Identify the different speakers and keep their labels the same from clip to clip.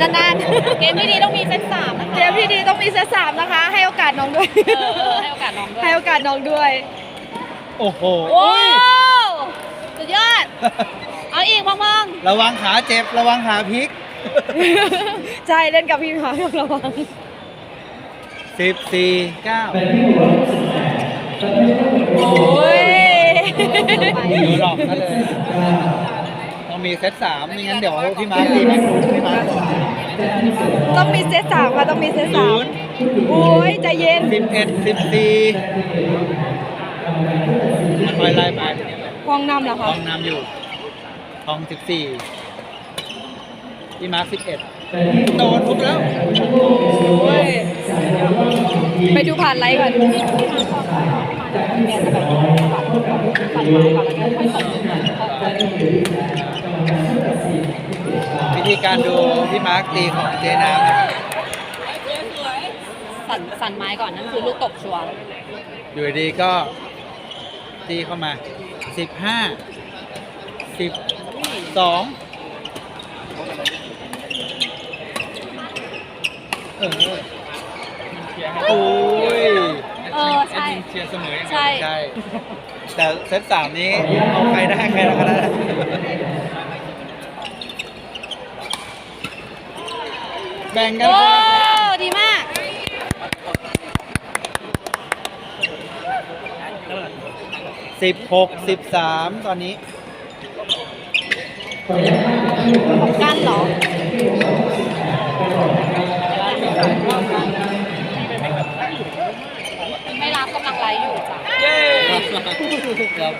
Speaker 1: นานๆเกมที่ดีต้องมีเซต3นะคะเกมที่ดีต้องมีเซต3นะคะ ให้โอกาสน้องด้วยให้โอกาสน้องด้วยให้โอกาสน้องด้วย
Speaker 2: โอ้โห
Speaker 1: โอ้สุดยอดเอาอีกมอง
Speaker 2: ระวังขาเจ็บระวังขาพลิก
Speaker 1: ๆใช่เล่นกับพี่หมาระวัง
Speaker 2: 14 9
Speaker 1: โอ้ย
Speaker 2: ดูหลอกกันเลยต้องมีเซต3ไม่งั้นเดี๋ยวพี่มาร์คตีไหมพี่มาร์คก่อน
Speaker 1: ต้องมีเซต3ค่ะต้องมีเซต3โอ้ยใจเย็น
Speaker 2: 11 14ค่อยไล่ไป
Speaker 1: ฟองนำเหรอ
Speaker 2: ท
Speaker 1: คะ
Speaker 2: องนำอยู่ทอง14พี่มาร์ค11โดนทุบแล้ว
Speaker 1: โอ้ยไปดูผ่านไลฟ์ก่อน
Speaker 2: วิธีการดูพี่มาร์คตีของเจน้ำนะครับ
Speaker 1: สั่นไม้ก่อนนั่นคือลูกตบชัวร์
Speaker 2: อยู่ดีๆก็ตีเข้ามา15 12โอ้ย
Speaker 1: ใช่
Speaker 2: เชียร์เสมอ
Speaker 1: ใช่
Speaker 2: ใช่แต่เซต3นี้เอาใครได้ใครแล้วก็ได้แบ่งกัน
Speaker 1: โอ้
Speaker 2: คนละเซต
Speaker 1: ดีมาก
Speaker 2: 16-13 ตอนนี้
Speaker 1: ของกันเหรอ ไม่รับกำลังไลฟ์อยู่จ้ะ
Speaker 2: เย้
Speaker 3: ครับ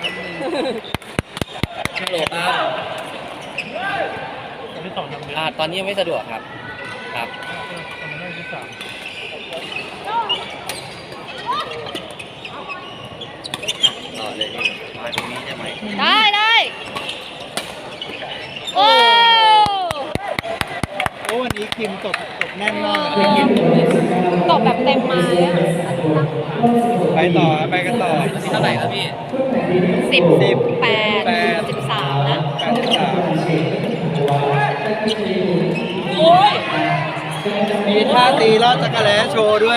Speaker 3: ฮัลโหลครับตอนนี้ยังไม่สะดวกครับครับต่อเลยมาตรงนี้ได้ไหม
Speaker 1: ได้โอ้
Speaker 2: โอ้วันนี้คิมตกแน่นมากเลยคิม
Speaker 1: ตบแบบเต็มไม้อะ
Speaker 2: ไปต่อไปกันต่อ
Speaker 3: เท่าไหร่ครับพี่
Speaker 1: 18 13นะ
Speaker 2: 83
Speaker 1: โอ้ย
Speaker 2: มีท่าตีลอดจักรแล้โชว์ด้วย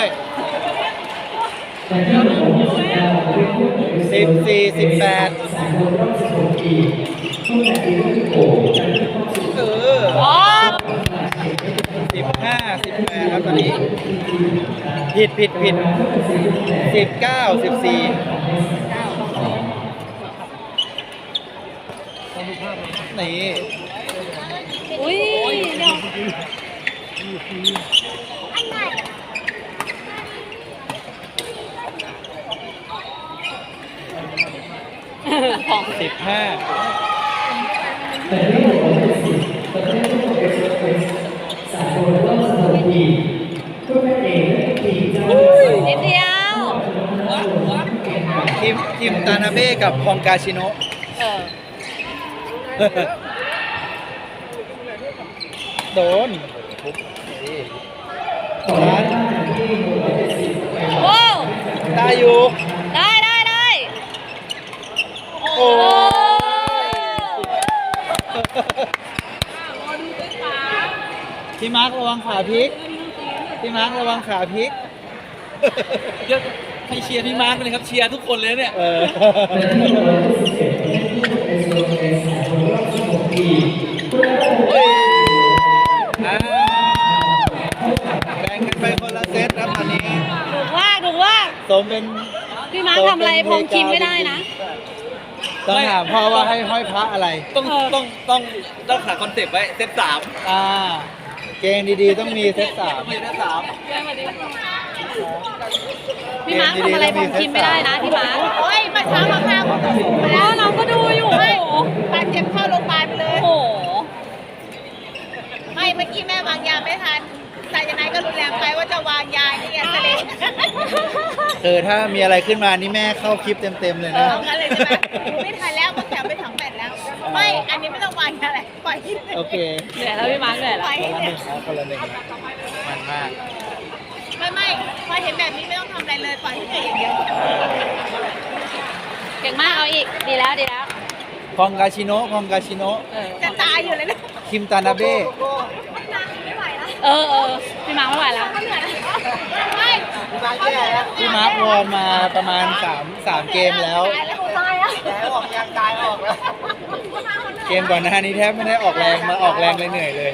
Speaker 2: 14-18
Speaker 1: อ๋อ
Speaker 2: 15-18 ครับตอนนี้ ผิด19-14นี่
Speaker 1: อุ้ยเดี๋ยวของ
Speaker 2: 15
Speaker 1: นิดเดียว
Speaker 2: คิมตานาเบ้กับฮองกาชิโนะ โดนร้าน
Speaker 1: โอ้
Speaker 2: ได้อยู่
Speaker 1: ได้
Speaker 2: โอ้ พี่มาร์คระวังขาพลิก พี่มาร์คระวังขาพลิก
Speaker 3: เดี๋ยวให้เชียร์พี่มาร์คเลยครับเชียร์ทุกคนเลยเนี่ย
Speaker 2: อ่าแบ่งกันไปคนละเซตครับตอนนี้
Speaker 1: ถูกว่า
Speaker 2: สมเป็น
Speaker 1: พี่มาร์คทำอะไรพงคิมไม่ได้นะ
Speaker 2: ต้องถามพ่อว่าให้ห้อยพระอะไร
Speaker 3: ต้องหาคอนเซปต์ไว้เซต3
Speaker 2: เกงดีๆต้องมีเซต3
Speaker 3: ไม่ได้
Speaker 1: พี่มาร์คทำอะไรพงคิมไม่ได้นะพี่มาร์คโอ้ยมาเช้ามาข้าวแล้วน้องก็ดูอยู่โอ้โหบาดเจ็บเข้าโรงพยาบาลไปเลยโอ้โห
Speaker 4: ไม่เมื่อกี้แม่วางยาไม่ทันสายนายก็รุนแรงไปว่าจะวางยานี่ไงทะเล
Speaker 2: ถ้ามีอะไรขึ้นมานี่แม่เข้าคลิปเต็มๆเลยนะ
Speaker 4: เอากันเลยใช่ไหมไม่ทันแล้วก็แถมไปถังแปดแล้ว ไม่ อันนี้ไม่ต้องวางยาอะไรปล่อยที่เลย
Speaker 2: โอเค
Speaker 1: เหนื่อยแล้วพี่มาร์คเหนื่อย
Speaker 4: ป
Speaker 1: แล้ว
Speaker 4: ล่อยให้เลย
Speaker 2: คนละหนึ่งมันมาก
Speaker 4: ไม่พอเห็นแบบนี้ไม่ต้องทำอะไรเลยปล่อยให้เหนื่อยอย่างเดียว
Speaker 1: เก่งมากเอาอีกดีแล้ว
Speaker 2: พองกาชิโนะ
Speaker 4: จะตายอยู่เลยนะ
Speaker 2: คิมตานาเบ้
Speaker 4: ไม่ไหวแล้ว
Speaker 1: พี่มาร์คไม่ไหวแล้ว
Speaker 4: ไม่
Speaker 2: พี่มาร์ควอร์มมาประมาณ3เกมแล้ว
Speaker 4: ตายแล้วตายแล้ว
Speaker 2: ออกยังกายออกแล้ว เกมก่อนหน้านี้แทบไม่ได้ออกแรงมาออกแรงเลยเหนื่อยเลย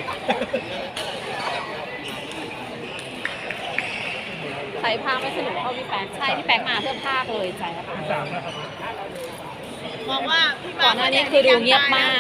Speaker 1: ใส่ภาคไม่สนุกเท่าพี่แป๊กใช่พี่แป๊กมาเพื่อภาคเลยใช่ค่ะ
Speaker 4: มองว่าพี่
Speaker 1: ก่อนหน้านี้คือดูเงียบมาก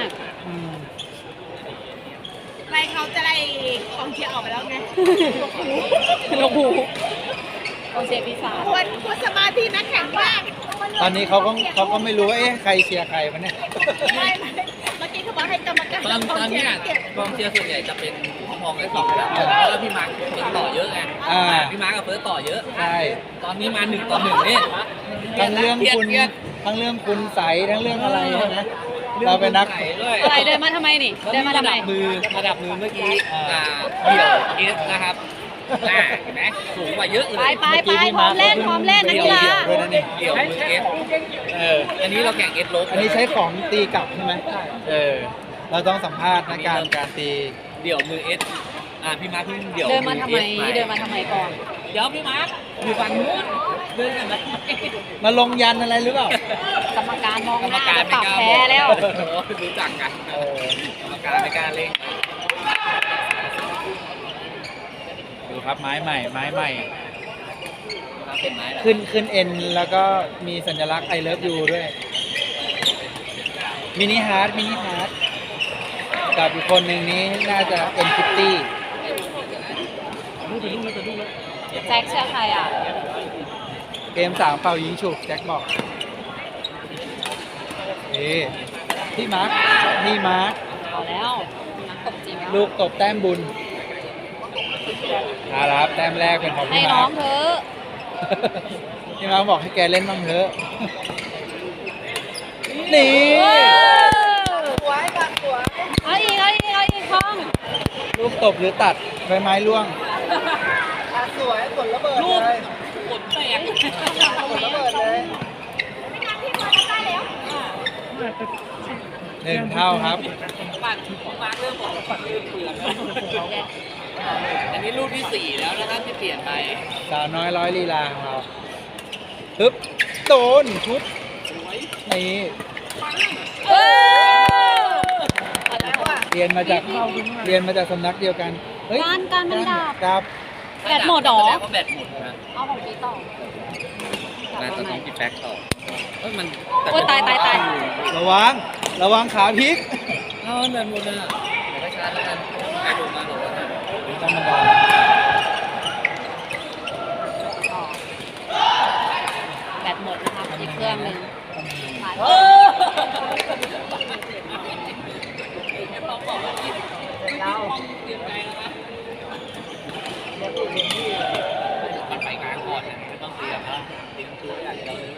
Speaker 4: ไรเขาจะได้กองเชียร์ออกไปแล้วไง
Speaker 1: ลงหูกองเชียร์ปีศาจ
Speaker 4: ควรสมาธินักแข่งมาก
Speaker 2: ตอนนี้เขาก็ไม่รู้ว่าใครเชียร์ใครมันเนี่ย
Speaker 4: ไม่เมื่อกี้เขาบอกให้กรรมการ
Speaker 3: ตอนเนี้ย
Speaker 4: เก็บ
Speaker 3: กองเชียร์ส่วนใหญ่จะเป็นมองได้สองแบบเพราะว่าพี่มาร์คเฟิร์สต่อเยอะไงพี่มาร์คกับเฟิร์สต่อเยอะ
Speaker 2: ใช่
Speaker 3: ตอนนี้มา1-1นี่
Speaker 2: ทั้งเรื่องคุณ
Speaker 3: เครียด
Speaker 2: ทั้งเรื่องคุณใสทั้งเรื่องอะไรใช่ไหมเราเป็นนัก
Speaker 3: ด้วย
Speaker 1: อะไรเดินมาทำไมนี่ เดินมาทำไม
Speaker 3: ระดับมือเมื่อกี้เดี่ยวเอสนะครับเห็นไหมสูงกว่าเยอะเลย
Speaker 1: ไปพร้อมเล่นนักกีฬา
Speaker 2: ด้วยนะนี่
Speaker 3: เดี่ยวมือเอสอันนี้เราแข่งเอสลบ
Speaker 2: อันนี้ใช้ของตีกลับใช่ไหมเราต้องสัมภาษณ์นะการตี
Speaker 3: เดี่ยวมือเอสพี่มาร์คเพิ่งเดี่ยว
Speaker 1: เดินมาทำไมก่อน
Speaker 3: เดี๋ยวพี่มาร์คอยู่ฝั่งนู้นเดินกันไหม
Speaker 2: มาลงยันอะไรหรือเปล่า
Speaker 1: กรรมการมอง
Speaker 3: กรร
Speaker 1: ห
Speaker 3: ม
Speaker 1: น้า
Speaker 3: การ
Speaker 1: จะ
Speaker 3: ไม่
Speaker 1: ปรับ
Speaker 3: กล้า
Speaker 1: แพ้แล้ว
Speaker 3: รู้จักกัน
Speaker 2: เออก
Speaker 3: รรมการไม่กล้าเล่น
Speaker 2: ดูครับไม้ใหม่
Speaker 3: เป็นไม้
Speaker 2: ขึ้นเอ็นแล้วก็มีสัญลักษณ์ I love you ด้วย มินิฮาร์ดกับอีกคนหนึ่งนี้น่าจะ N50
Speaker 1: แจ็คเชื่อใครอ่ะ
Speaker 2: เกม3เป่ายิงฉุบแจ็คบอกพี่มาร์ค
Speaker 1: เอาแล้วนักตบจริงแล้ว
Speaker 2: ลูกตบแต้มบุญครับแต้มแรกเป็นของ
Speaker 1: ให้
Speaker 2: พี่
Speaker 1: น้
Speaker 2: มา
Speaker 1: อ
Speaker 2: ร์
Speaker 1: ง
Speaker 2: ค
Speaker 1: เถอะ
Speaker 2: พี่มาร์คบอกให้แกเล่นบ้างเถอะ นี่
Speaker 1: เอาอีกห้อง
Speaker 2: ลูกตบหรือตัดใบไม้ร่วง สวยกดระเบิด
Speaker 3: ลูก
Speaker 2: เลย
Speaker 3: กดแตก
Speaker 2: กดระเบิดเลย1 เท่าครับ
Speaker 3: ปั่นมาร์คเริ่มบอกปั่นเริ่มเปลือกแล้วอันนี้ลูกที่ 4 แล้วนะครับที่เปลี่ยนไป
Speaker 2: สาวน้อยร้อยลีลาของเราฮึบโดนชุดนี่
Speaker 1: เออ
Speaker 2: เรียนมาจากสำนักเดียวกันเฮ้ย
Speaker 1: การมันดับ
Speaker 2: ครับ
Speaker 1: แบตหมดเหรอ
Speaker 3: แสดงว่าแบตหมดนะ
Speaker 1: เอาของพี่ต่อ
Speaker 3: น่าจะต้องกินแบ็คต่อมัน
Speaker 1: โอ้ยตาย
Speaker 2: ระวังขาพลิก
Speaker 3: เอาแบตหมดนะเดี๋ยวไปชาร์จแล้วกันใครลงมาบอกว่า
Speaker 2: ธรรมดา
Speaker 1: แบตหมดนะครับอีกเครื่องหนึงเรา
Speaker 3: มันไปงานก่อนไม่ต้องเตรียมนะเตรียมตัวอย่างเดียวเลย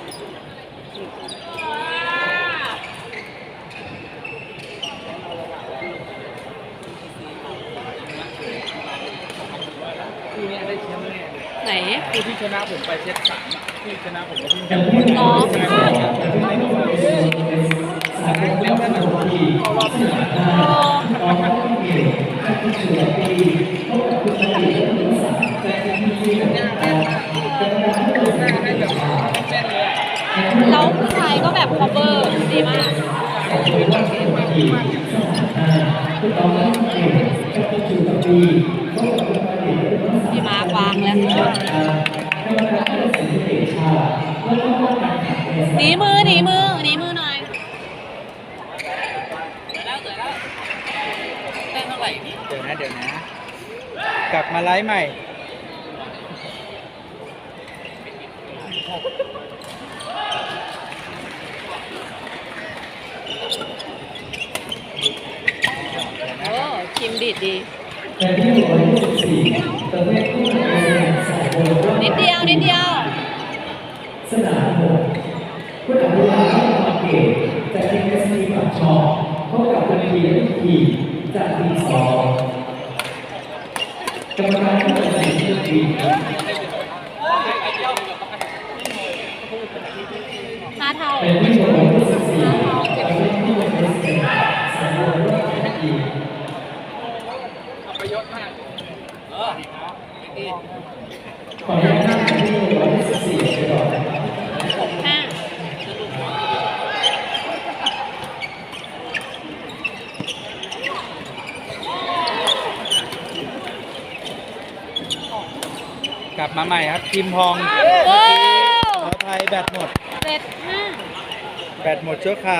Speaker 3: คู่นี้ได้แชมป์แน่
Speaker 1: ไหน
Speaker 3: คู่ที่ชนะผมไปเซต3ที่ชนะผมก็เพิ่งแชมป์
Speaker 1: น้อง
Speaker 3: แล้วนั่นน่ะ
Speaker 1: แล้วผู้ชายก็แบบ cover ดีมากพี่มาร์ควางแล้วหนีมือหน่อย
Speaker 3: เสร็จแล้วได้เท่าไหร่นี่
Speaker 2: เดี๋ยวนะ กลับมาไลฟ์ใหม่
Speaker 1: โอ้คิมดีดดี นิดเดียว
Speaker 5: สนาม6ผู้ตัดสินจากเกตจากทีม SC ปากช่องพบกับทีมจากทีม2กรรมการผู้ตัดสินทีม
Speaker 1: 5 เท่า
Speaker 5: เป็นผู้ชมผู้ตัดสิน
Speaker 1: 5 เท่า
Speaker 5: จากทีมที่เป็น SC สามารถร่วมทีมขออนุญาตนั่งที่114ไปก่อนนะครับ
Speaker 1: ห้า
Speaker 2: กลับมาใหม่ครับคิมพอง
Speaker 1: โอ้
Speaker 2: ขออภัยแบตหมด
Speaker 1: 75
Speaker 2: แบตหมดชั่วคราว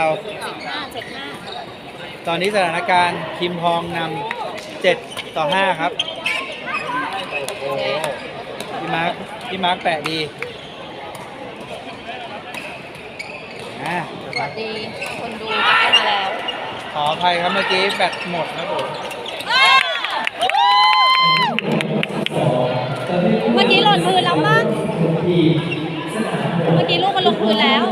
Speaker 1: 75
Speaker 2: ตอนนี้สถานการณ์คิมพองนำ7-5ครับโอ้โหพี่มาร์คแปะดีอ่ะ
Speaker 1: สวัสดีคนดูกลับเข้ามาแล้ว
Speaker 2: ขออภัยครับเมื่อกี้แบตหมดครับผม
Speaker 1: เมื่อกี้หล่นพื้นแล้วมั้งเมื่อกี้ลูกมันลงพื้นแล้ว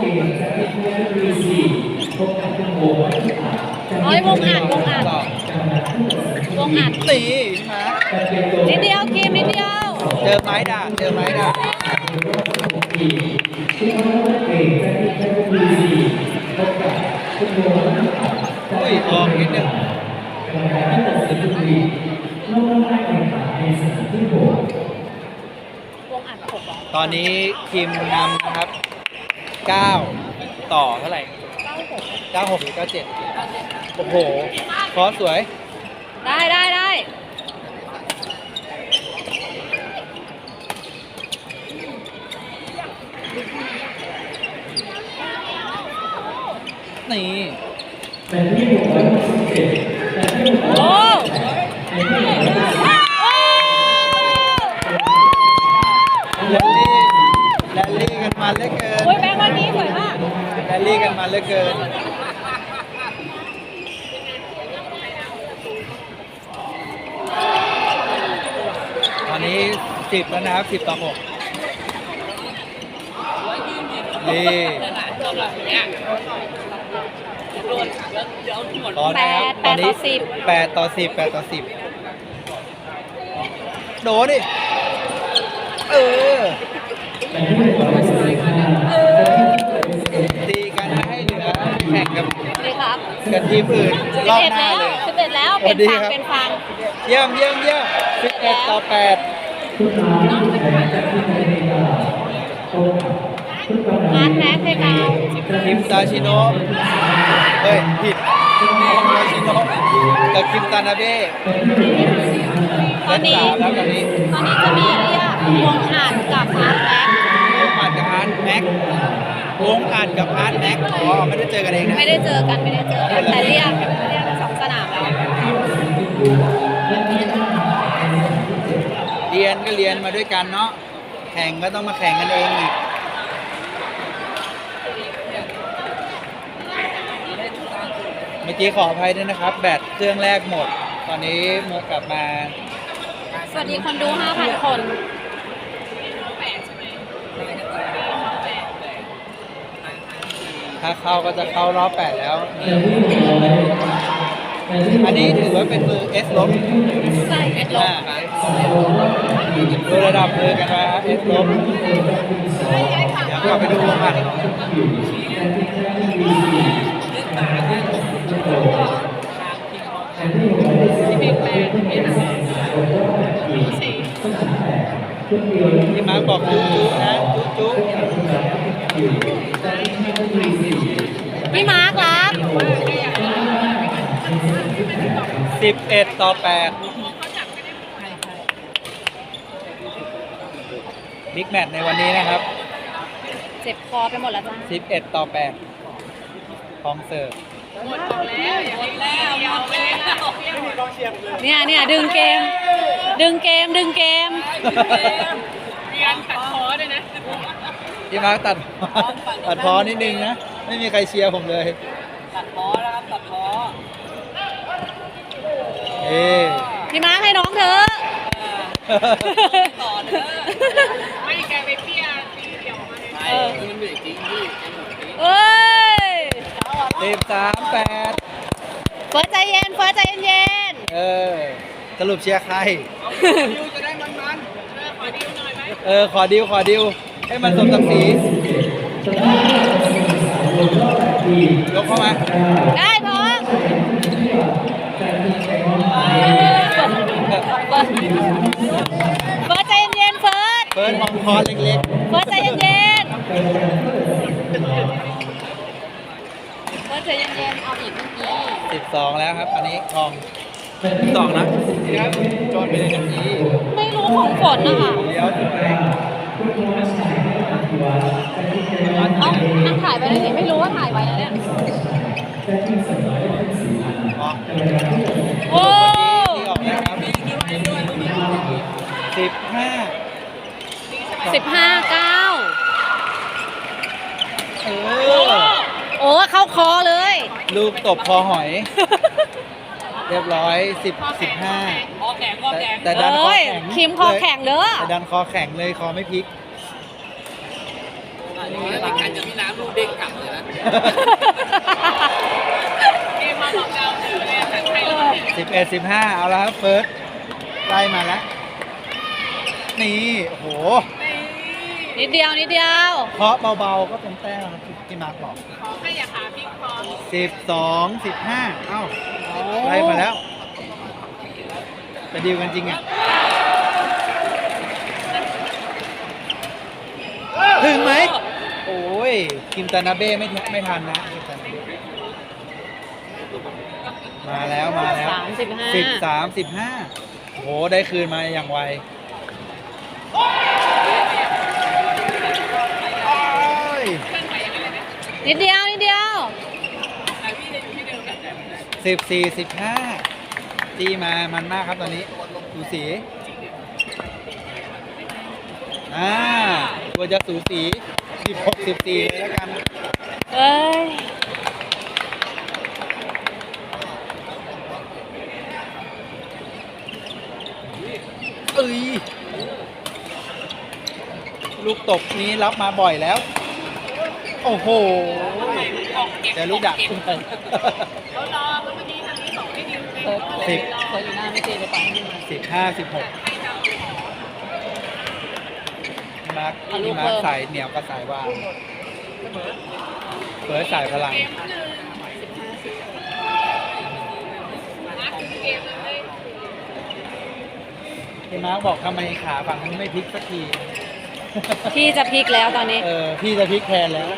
Speaker 1: โอ้ยวงอัด
Speaker 2: ต่อ
Speaker 1: วงอัด
Speaker 2: ตีพี่มาร์ค
Speaker 1: นิดเดียวคิมนิดเดียว
Speaker 2: เจอไม้ด่างอุ้ยออกนิดนึง
Speaker 1: วงอัด6เหรอ
Speaker 2: ตอนนี้คิมนำนะครับ9ต่อเท่าไหร่96หรือ97โอ้โหคอสสวย
Speaker 1: ได้
Speaker 2: นี่
Speaker 1: โอ้
Speaker 2: แรลลี่กันมันเหลือเกิน
Speaker 1: โอ้ยแบงค์วันนี้สวยมาก
Speaker 2: แรลลี่กันมันเหลือเกินตอนนี้10แล้วนะครับ10-6นี่ตอนนี้ครับตอนนี้8-10โดนดิตีกันไม่ให้เหลือแข่งกับ
Speaker 1: ดีครับ
Speaker 2: ทีมอื่นรอบหน้าเลย
Speaker 1: 11แล้ว
Speaker 2: สวัสดีครับ
Speaker 1: เป็นฟัง
Speaker 2: เยี่ยม11-8
Speaker 1: อาร์ตแม็กเพกาว
Speaker 2: คิมซาชิโนะเฮ้ยผิดซาชิโนะกับคิมตานาเบ้
Speaker 1: ตอนนี้
Speaker 2: 3แล้วตอนนี้
Speaker 1: จะมีเรียกวงอัดกับอาร์ตแม็ก
Speaker 2: วงอัดกับอาร์ตแม็กอ๋อไม่ได้เจอกันเองนะ
Speaker 1: ไม่ได้เจอกันแต่เรียก2 สนามแล้ว
Speaker 2: เรียนก็เรียนมาด้วยกันเนาะแข่งก็ต้องมาแข่งกันเองอีกเมื่อกี้ขออภัยด้วยนะครับ แบตเครื่องแรกหมด ตอนนี้มากลับมา
Speaker 1: สวัสดีคนดู 5,000 คน
Speaker 2: ถ้าเข้าก็จะเข้ารอบ 8 แล้วนี่อันนี้ถือว่าเป็นมือ S ลบ
Speaker 1: ใส่เป็นลบ
Speaker 2: ดูระดับมือกันมาเอสลบเดี๋ยวกลับไปดูวงอัดที่มาร์คบอกจุ๊นะจุ๊
Speaker 1: พี่มาร์ครัก
Speaker 2: 11-8บิ๊กแมตช์ในวันนี้นะครับ
Speaker 1: เจ็บคอไปหมดแล้วจ้า
Speaker 2: 11-8ของเสิร์ฟ
Speaker 1: เนี่ยดึงเกม
Speaker 2: ที่มาร์คตัดพอนิดนึงนะ ไม่มีใครเชียร์ผมเลย
Speaker 3: ตัดพ้อนะครับตัดพ้อ
Speaker 1: พี่มาร์คให้น้องเถอะ
Speaker 3: ต่อเด้อ
Speaker 4: ไม่แกไปเปี้ยเดี๋ยวมาเลย
Speaker 3: ใช่มันเหนื่อยจริงพี่
Speaker 1: เอ้ย
Speaker 2: 13-8
Speaker 1: เฟิร์สใจเย็น
Speaker 2: สรุปเชียร์ใคร
Speaker 3: ยูจะได้มัน
Speaker 2: ขอดิวให้มันสมศักดิ์ศรียกเข้ามา
Speaker 1: ได้พอ
Speaker 2: เฟิร์สมองคอเล็ก
Speaker 1: เฟิร์สใจเย็นๆเฟิร์สใจเย็นๆเอาอีกเมื่อกี้
Speaker 2: ๆ12แล้วครับ อันนี้ทอง12นะนี่ครับจอดไปเลยกันนี้
Speaker 1: ไม่รู้ของฝนนะคะ
Speaker 2: เดี๋ยวสุดแรง
Speaker 1: เอ้านั่งถ่ายไปเลยดิไม่รู้ว่าถ่ายไว้แล้วเนี่ย
Speaker 2: ออก
Speaker 1: โอ้
Speaker 2: ที่ออกนะครับ15
Speaker 1: 15-9
Speaker 2: เออ
Speaker 1: โอ้เข้าคอเลย
Speaker 2: ลูกตบคอหอย เรียบร้อย15
Speaker 3: คอแข็งคอแข็ง
Speaker 2: แต่ดันคอ
Speaker 1: เอ้ย
Speaker 2: แข็ง
Speaker 1: คิมคอแข็งเด้อ
Speaker 2: แต่ดันคอแข็งเลยคอไม่พลิก
Speaker 3: อันนี้เป็นการจะพี่น้ำลูกเด้งกลับเลยนะ เกมมาบอกเราเลยแต่ใครเราเนี่ย
Speaker 2: 11 15เอาแล้วครับเฟิร์สไล่มาแล้ว นี่ โอ้โห
Speaker 1: นิดเดียวนิดเดียว
Speaker 2: เคาะเบาๆก็เป็นแต้มครับที่มาร์คบอก
Speaker 4: ขอให้อย่าขาพลิกคอ
Speaker 2: 12 15เอ้าไล่มาแล้วจะดีลกันจริงอ่ะ ถึงไหม โอ้ย คิมตานาเบ้ไม่ทันนะคิมตานาเบ้มาแล้วมาแล้ว
Speaker 1: 35
Speaker 2: 13 15โอ้โห ได้คืนมาอย่างไวโอ้ย
Speaker 1: นิดเดียวนิดเดียว
Speaker 2: 14 15จี้มามันมากครับตอนนี้สูสีตัวจะสูสี16 14เลยแล้วกัน
Speaker 1: เอ้ย
Speaker 2: เอ้ย ลูกตบนี้รับมาบ่อยแล้ว โอ้โหแต่ลูกดักขึ้นไป
Speaker 4: เขารอเมื่อกี้ทางนี้ส่งให้ดิวไป
Speaker 2: 10
Speaker 1: เฟิร์สอยู่หน้าไม่ตีเลยไปให้มันมา
Speaker 2: 15 16มาร์คที่มาร์คสายเหนียวกับสายวางเฟิร์สสายพลังพี่มาร์คบอกทำไมขาฝั่งนี้ไม่พลิกสักที
Speaker 1: พี่จะพลิกแล้วตอนนี้
Speaker 2: พี่จะพลิกแทนแล้ว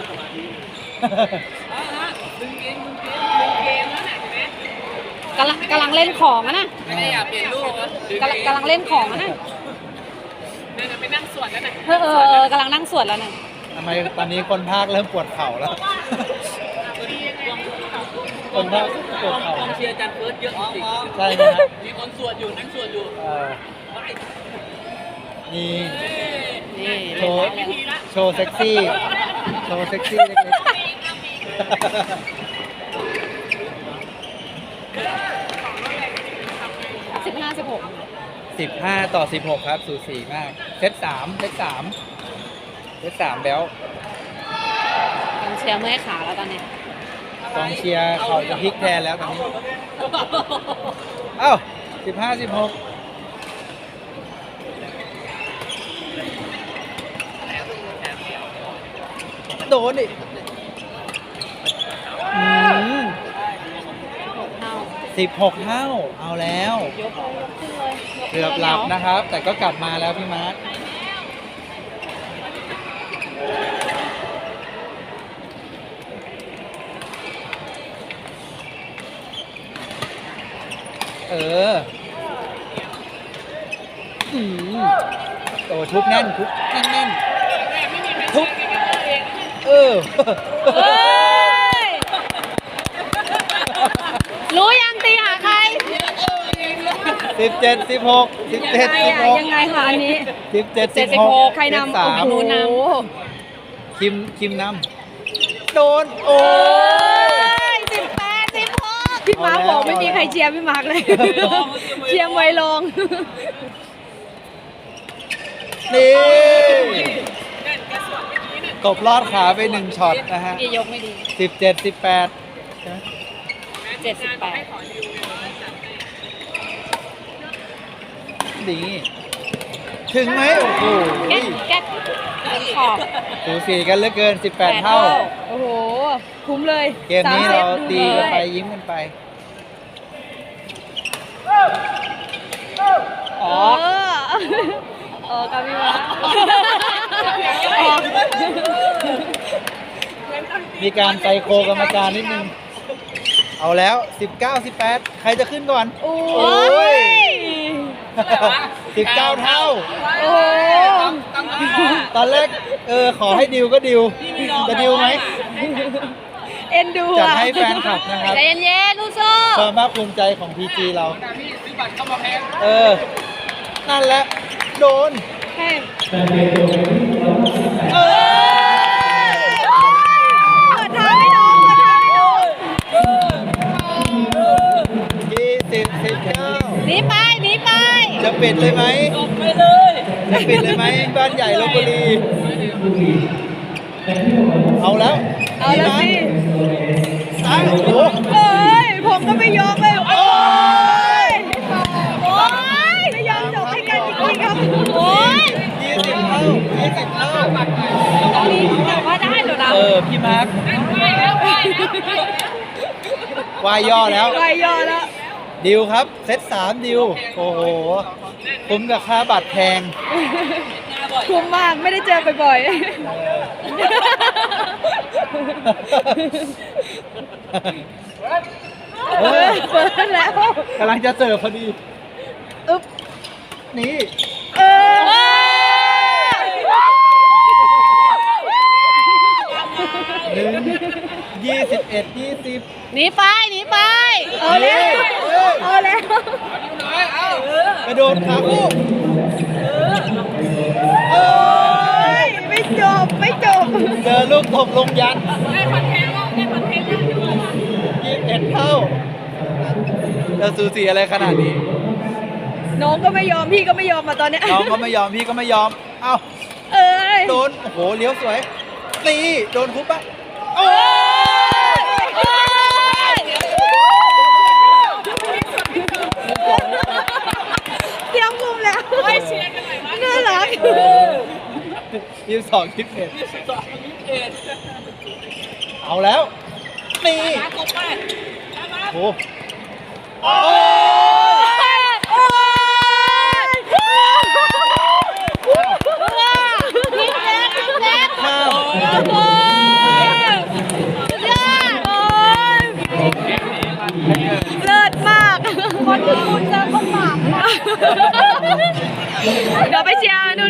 Speaker 1: กำลังเล่นของอะนะ
Speaker 3: ไม่ได้อยากเปลี่ยนลูกนะ
Speaker 1: กำลังเล่นของอะนะ
Speaker 4: เดี๋ยวไปนั่งสวดแล้วนะ
Speaker 1: กำลังนั่งสวดแล้วนะ
Speaker 2: ทำไมตอนนี้คนภาคเริ่มปวดเข่าแล้ว คนภาคปวดเข่าก
Speaker 3: องเชียร์จันเฟิร์สเยอะจริง
Speaker 2: ใช่ไหมครับ
Speaker 3: มีคนสวดอยู่นั่งสวดอยู่
Speaker 2: นี่
Speaker 1: นี่
Speaker 2: โชว์โชว์เซ็กซี่ โชว์เซ็กซี่เล็ก
Speaker 1: 15-16
Speaker 2: ๆ15 ต่อ 16 ครับ สูสีมาก เซต3 แบล
Speaker 1: กองเชียร์เมื่อยขาแล้วตอนนี้
Speaker 2: กองเชียร์เขาจะพลิกแทนแล้วตอนนี้ เอ้า 15 16 โดนดิ16 เท่า เอาแล้ว
Speaker 1: ยกขึ้นเลย
Speaker 2: เกือบหลับนะครับ แต่ก็กลับมาแล้วพี่มาร์คโอ้ทุบแน่นทุบแน่นทุบ
Speaker 1: เฮ้ย รู้ยังตีหาใคร
Speaker 2: 17 16 17 16
Speaker 1: ยังไงคะอันนี้
Speaker 2: 17 16
Speaker 1: ใครนำ
Speaker 2: เซต
Speaker 1: หนูนำ
Speaker 2: 3คิมนำโดน โอ้ย
Speaker 1: 18-16 พี่มาร์คบอกไม่มีใครเชียร์พี่มาร์คเลย เชียร์มวยลง
Speaker 2: นี่ตบลอดขาไป1ช็อตนะฮะ
Speaker 1: กี่ยกไม่ดี
Speaker 2: 17 18
Speaker 1: 78
Speaker 2: ดีถึงไหมโอ้โห
Speaker 1: แก๊กขอบ
Speaker 2: สูสีกันเหลือเกิน 18 เท่า
Speaker 1: โอ้โห คุ้มเลย
Speaker 2: เกมนี้เราตีกันไปยิ้มกันไป
Speaker 1: อ๋อกามิวะ
Speaker 2: มีการไซโคกรรมการนิดนึง เอาแล้ว 19 18 ใครจะขึ้นก่อน
Speaker 1: โอ้
Speaker 2: โอ้ย 19 เท่า
Speaker 1: โอ้
Speaker 2: ตอนแรกขอให้ดิวก็ดิว จะดิวไหม
Speaker 1: เอ็นดู
Speaker 2: จัด
Speaker 1: อ่ะ
Speaker 2: ให้แฟนคลับนะครับ
Speaker 1: ใจเย็นๆลูกโซ่
Speaker 2: ความภาคภูมิใจของ PG เรา
Speaker 3: ซื้อบัตรเข้ามาแพง
Speaker 2: นั่นแหละ โดน
Speaker 1: ให้
Speaker 5: แต่เปลี่ยนตัวเป็นที่168
Speaker 2: เออ
Speaker 1: เปิดทางให้น้องเปิดทางให้น้อง
Speaker 2: 20 19
Speaker 1: หนีไปหนีไป
Speaker 2: จะปิดเลยไหม
Speaker 3: ไปเลย
Speaker 2: จะปิดเลยไหมบ้านใหญ่ลพบุรี
Speaker 5: บุรีแต่ที่ผม
Speaker 2: เอาแล้ว
Speaker 1: เอาแล้วสิ
Speaker 2: อ้าวโอ้โห
Speaker 1: เอ้ยผมก็ไม่ยอมเลยโอ้ยโอ้ยไม่ยอมจบให้กันจริงๆครับโอ้ย
Speaker 2: 20 เท่า 20 เท่า
Speaker 1: ตอนนี้แต่ว่าได้เหรอนะ
Speaker 2: พี่มาร์ควายย่อแล้ว
Speaker 1: ไปย่อแล้ว
Speaker 2: ดิวครับ เซต3ดิว โอ้โหคุ้มกับค่าบัตรแพง
Speaker 1: คุ้มมากไม่ได้เจอบ่อยๆ
Speaker 2: เออ
Speaker 1: เปิดแล้ว
Speaker 2: กำลังจะเสิร์ฟพอดี
Speaker 1: อึ๊บ
Speaker 2: นี่
Speaker 1: เออ
Speaker 2: 1 21 20
Speaker 1: หนีไปหนีไปเอาแล้วเอาแล้ว
Speaker 2: กระโดดขาคู่
Speaker 1: โอ้ยไม่จบไม่จบ
Speaker 2: เจอลูกตบลงยัน
Speaker 1: ได้คอนเทนต์แล้วได้คอนเทนต์แล้ว
Speaker 2: 21 เท่าจะสูสีอะไรขนาดนี้
Speaker 1: น้องก็ไม่ยอมพี่ก็ไม่ยอมมาตอนเนี้ย
Speaker 2: น้องก็ไม่ยอม พี่ก็ไม่ยอม เอ้า
Speaker 1: เอ้ย
Speaker 2: โดน โอ้โห เลี้ยวสวย ตีโดนคุบปะโอ้
Speaker 1: โอ้ยเตรียมมุมแล้วโอ้ยเชียร์กันหน่อยน่ารัก
Speaker 2: 22 21เอาแล้ว ตีโอ้โอ้
Speaker 1: โอ้ยพี่แจ๊คพี่แจ๊ค
Speaker 2: ข้าม
Speaker 1: โอ้ยยอดโอ้ยเลิศมากคนที่คุณเจอก็หมากมากเดี๋ยวไปเชียร์นู่น